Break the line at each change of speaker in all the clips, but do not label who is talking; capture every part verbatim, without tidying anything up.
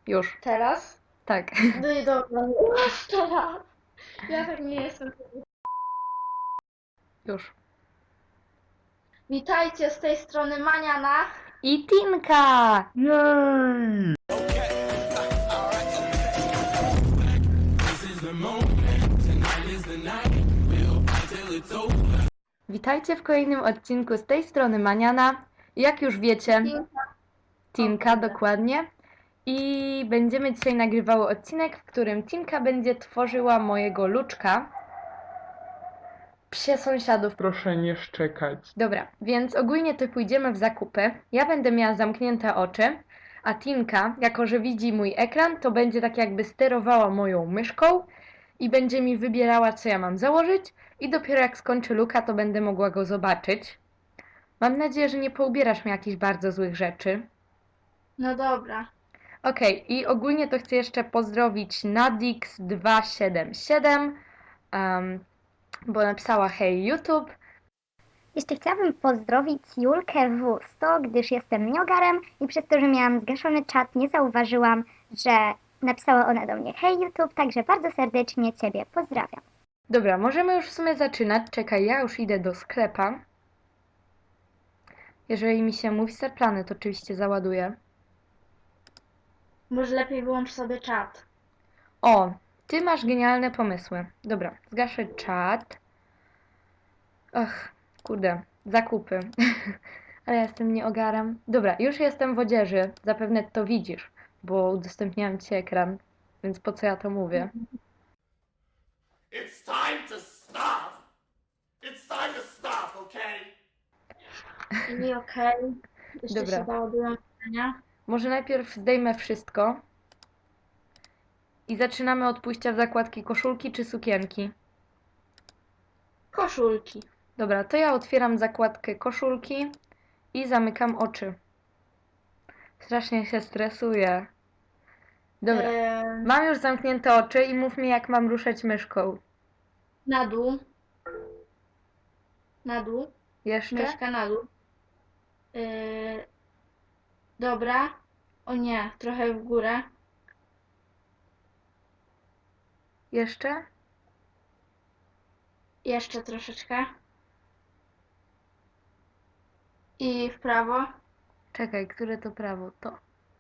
Już.
Teraz?
Tak.
No i dobra, jeszcze raz. Ja tak nie jestem.
Już.
Witajcie z tej strony Maniana.
I Tinka!
Jej!
Witajcie w kolejnym odcinku z tej strony Maniana. Jak już wiecie,
Tinka.
Tinka,
O kurde.
dokładnie. I będziemy dzisiaj nagrywały odcinek, w którym Tinka będzie tworzyła mojego Luczka. Psie sąsiadów.
Proszę nie szczekać.
Dobra, więc ogólnie to pójdziemy w zakupy. Ja będę miała zamknięte oczy, a Tinka, jako że widzi mój ekran, to będzie tak jakby sterowała moją myszką i będzie mi wybierała, co ja mam założyć, i dopiero jak skończy Luka, to będę mogła go zobaczyć. Mam nadzieję, że nie poubierasz mi jakichś bardzo złych rzeczy.
No dobra.
Okej, i ogólnie to chcę jeszcze pozdrowić Nadix dwa siedem siedem, um, bo napisała hej YouTube.
Jeszcze chciałabym pozdrowić Julkę W sto, gdyż jestem niogarem i przez to, że miałam zgaszony czat, nie zauważyłam, że napisała ona do mnie hej YouTube, także bardzo serdecznie Ciebie pozdrawiam.
Dobra, możemy już w sumie zaczynać. Czekaj, ja już idę do sklepa. Jeżeli mi się mówi Star Planet, oczywiście załaduję.
Może lepiej wyłącz sobie czat.
O, ty masz genialne pomysły. Dobra, zgaszę czat. Ach, kurde, zakupy. Ale ja jestem nieogarem. Dobra, już jestem w odzieży. Zapewne to widzisz, bo udostępniałam ci ekran. Więc po co ja to mówię?
It's time to stop! It's time to stop, okay?
I okej. Jeszcze
Dobra.
się załadują pytania.
Może najpierw zdejmę wszystko. I zaczynamy od pójścia w zakładki koszulki czy sukienki.
Koszulki.
Dobra, to ja otwieram zakładkę koszulki i zamykam oczy. Strasznie się stresuję. Dobra,
Em,
mam już zamknięte oczy i mów mi, jak mam ruszać myszką.
na dół. Na dół.
Jeszcze?
Myszka na dół. Yy, dobra. O nie, trochę w górę.
Jeszcze?
Jeszcze troszeczkę. I w prawo.
Czekaj, które to prawo? To.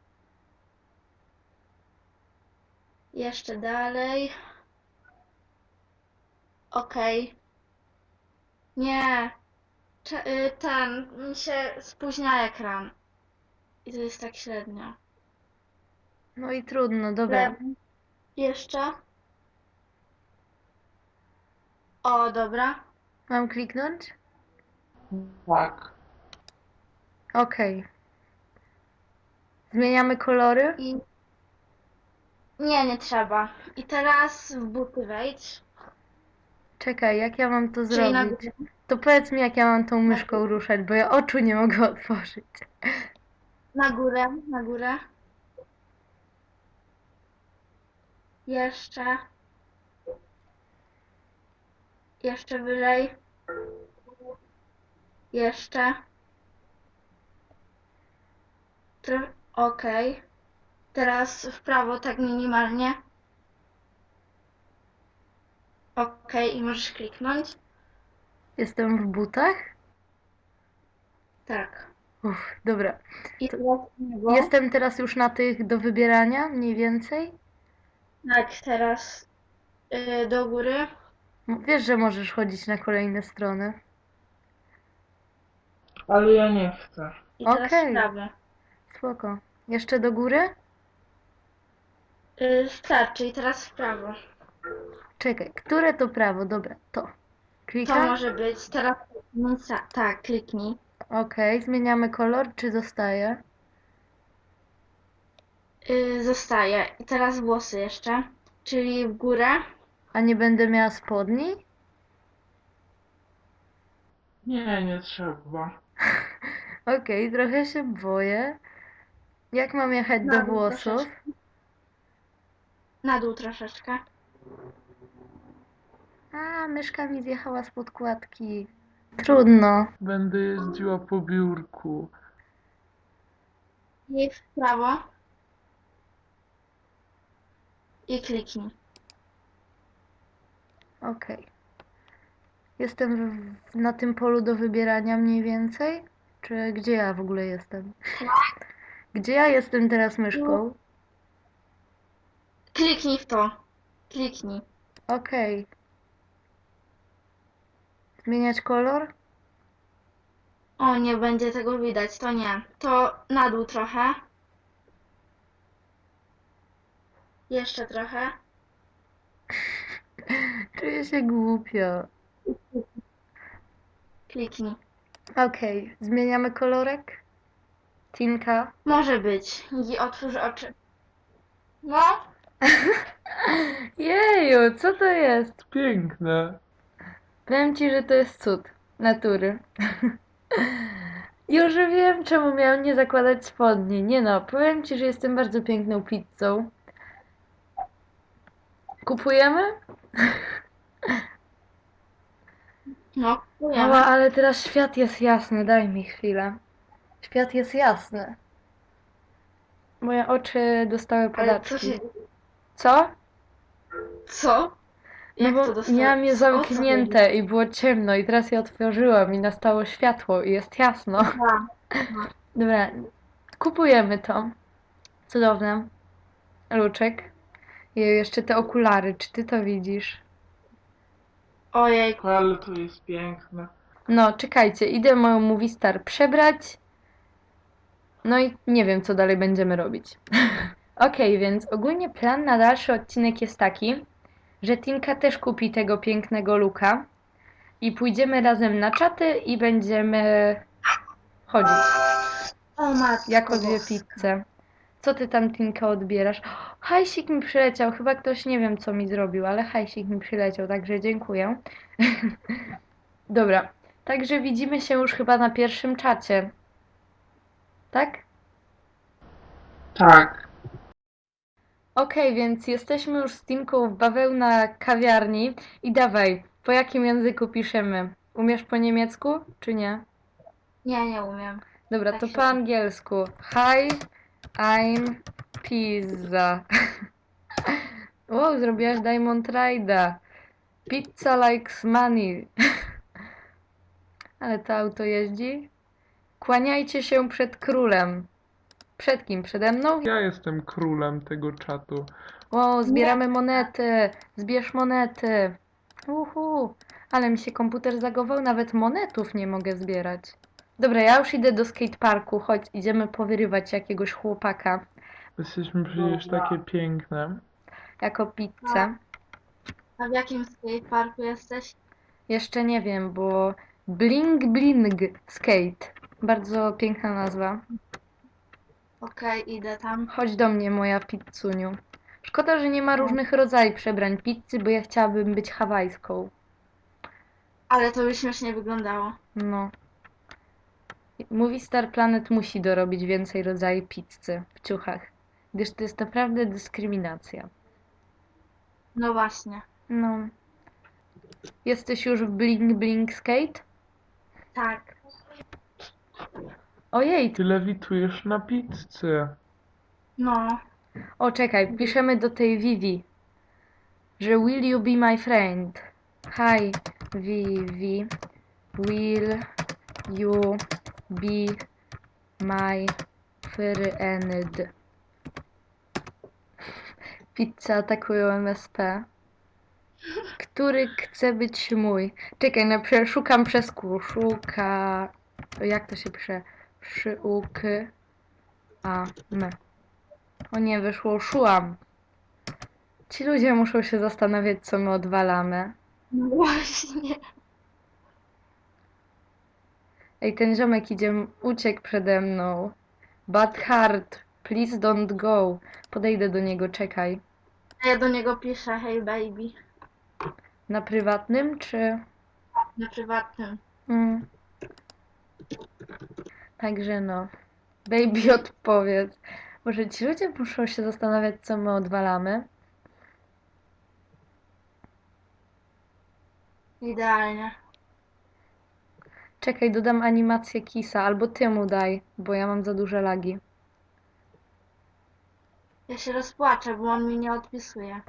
Jeszcze dalej. Okej. Nie. Cze- y, ten, mi się spóźnia ekran. I to jest tak średnio.
No i trudno, dobra.
Lewo. Jeszcze. O, dobra.
Mam kliknąć?
Tak.
Okej. Zmieniamy kolory?
I... Nie, nie trzeba. I teraz w buty wejdź.
Czekaj, jak ja mam to
Czyli na
zrobić?
górę.
To powiedz mi, jak ja mam tą myszką ruszać, bo ja oczu nie mogę otworzyć.
Na górę, na górę. Jeszcze. Jeszcze wyżej. Jeszcze. Tro... Okej. Teraz w prawo tak minimalnie. Okej, i możesz kliknąć.
Jestem w butach?
Tak.
Uff, dobra.
I
To-
teraz w lewo.
Jestem teraz już na tych do wybierania, mniej więcej?
Tak, teraz y, do góry.
M- Wiesz, że możesz chodzić na kolejne strony.
Ale ja nie chcę.
I teraz
Okej.
w prawo.
Spoko. Jeszcze do góry?
Y, starczy, i teraz w prawo.
Czekaj, które to prawo? Dobra, to.
To
Klikam?
może być. Teraz kliknij. Tak, kliknij.
Okej, zmieniamy kolor, czy zostaje?
Y, zostaje. I teraz włosy jeszcze. Czyli w górę.
A nie będę miała spodni?
Nie, nie trzeba.
Okej, trochę się boję. Jak mam jechać
Na
do
dół
włosów?
troszeczkę. Na dół troszeczkę.
A, myszka mi zjechała z podkładki. Trudno.
Będę jeździła po biurku.
I w prawo. i kliknij.
Okej. Jestem w, na tym polu do wybierania mniej więcej? Czy gdzie ja w ogóle jestem? Gdzie ja jestem teraz myszką?
Kliknij w to. Kliknij.
Okej. Zmieniać kolor?
O, nie będzie tego widać, to nie. To na dół trochę. Jeszcze trochę.
Czuję się głupio.
Kliknij.
Okej, zmieniamy kolorek? Tinka?
Może być. I otwórz oczy. No,
Jeju, co to jest?
Piękne.
Powiem ci, że to jest cud natury. Już wiem, czemu miałam nie zakładać spodni. Nie no, powiem ci, że jestem bardzo piękną pizzą. Kupujemy?
no, kupujemy.
Mała, ale teraz świat jest jasny, daj mi chwilę. Świat jest jasny. Moje oczy dostały
Ale co
padaczki.
się...
Co?
Co?
No
Jak
bo
to dostałeś?
miałam je
Co? O co chodzi?
zamknięte i było ciemno i teraz je otworzyłam i nastało światło i jest jasno.
Aha.
Dobra, kupujemy to. Cudowne. Luczek. I jeszcze te okulary, czy ty to widzisz?
Ojej,
Ale to jest piękne.
No, czekajcie, idę moją Movie Star przebrać. No i nie wiem, co dalej będziemy robić. Okej, więc ogólnie plan na dalszy odcinek jest taki, że Tinka też kupi tego pięknego luka i pójdziemy razem na czaty i będziemy chodzić
o matko
jako dwie
boska.
pizze. Co ty tam, Tinka, odbierasz? Hajsik mi przyleciał, chyba ktoś nie wiem, co mi zrobił, ale hajsik mi przyleciał, także dziękuję. Dobra, także widzimy się już chyba na pierwszym czacie. Tak?
Tak.
Okej, więc jesteśmy już z Tinką w bawełna kawiarni i dawaj, po jakim języku piszemy? Umiesz po niemiecku, czy nie?
Nie, nie umiem.
Dobra,
Tak
to
się-
po angielsku. Hi, I'm pizza. Wow, zrobiłaś Diamond Ride'a. Pizza likes money. Ale to auto jeździ. Kłaniajcie się przed królem. Przed kim? Przede mną?
Ja jestem królem tego czatu.
Wow, zbieramy monety. Zbierz monety. Uhu. Ale mi się komputer zagował, nawet monetów nie mogę zbierać. Dobra, ja już idę do skateparku. Chodź, idziemy powyrywać jakiegoś chłopaka
Jesteśmy przecież takie piękne.
jako pizzę.
A w jakim skateparku jesteś?
Jeszcze nie wiem, bo Bling Bling Skate. Bardzo piękna nazwa.
Okej, idę tam.
Chodź do mnie, moja pizzuniu. Szkoda, że nie ma różnych rodzajów przebrań pizzy, bo ja chciałabym być hawajską.
Ale to by śmiesznie wyglądało.
No. Movie Star Planet musi dorobić więcej rodzajów pizzy w ciuchach, gdyż to jest naprawdę dyskryminacja.
No właśnie.
No. Jesteś już w Bling Bling Skate?
Tak.
Ojej,
Ty lewitujesz na pizzy.
No.
o czekaj, piszemy do tej Vivi, że will you be my friend? Hi, Vivi, will you be my friend? Pizza atakują M S P. Który chce być mój? Czekaj, no prze- szukam przez Q. Szuka... Jak to się pisze? Szyuk... A... M. O nie, wyszło szułam. Ci ludzie muszą się zastanawiać, co my odwalamy.
No właśnie.
Ej, ten ziomek idzie, uciekł przede mną. Bad heart, please don't go. Podejdę do niego, czekaj.
A ja do niego piszę, hey baby.
Na prywatnym, czy...
Na prywatnym.
Mm. Także no. Baby, odpowiedz. Może ci ludzie muszą się zastanawiać, co my odwalamy.
Idealnie.
Czekaj, dodam animację Kisa, albo ty mu daj, bo ja mam za duże lagi.
Ja się rozpłaczę, bo on mi nie odpisuje.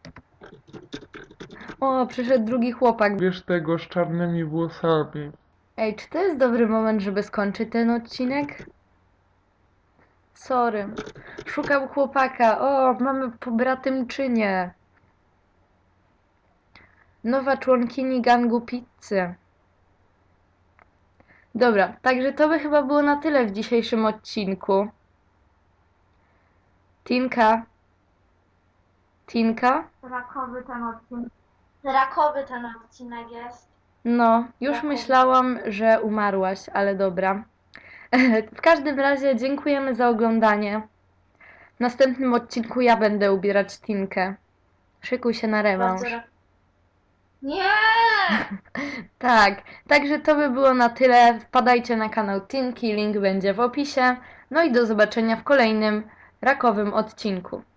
O, przyszedł drugi chłopak.
Wiesz tego z czarnymi włosami.
Ej, czy to jest dobry moment, żeby skończyć ten odcinek? Sorry. Szukam chłopaka. O, mamy pobratymczynię. Nowa członkini gangu pizzy. Dobra, także to by chyba było na tyle w dzisiejszym odcinku. Tinka. Tinka?
Rakowy ten odcinek. Rakowy ten odcinek jest.
No, już
Rakowy.
myślałam, że umarłaś, ale dobra. W każdym razie dziękujemy za oglądanie. W następnym odcinku ja będę ubierać Tinkę. Szykuj się na rewanż.
Bardzo ra- Nie!
Tak, także to by było na tyle. Wpadajcie na kanał Tinki, link będzie w opisie. No i do zobaczenia w kolejnym rakowym odcinku.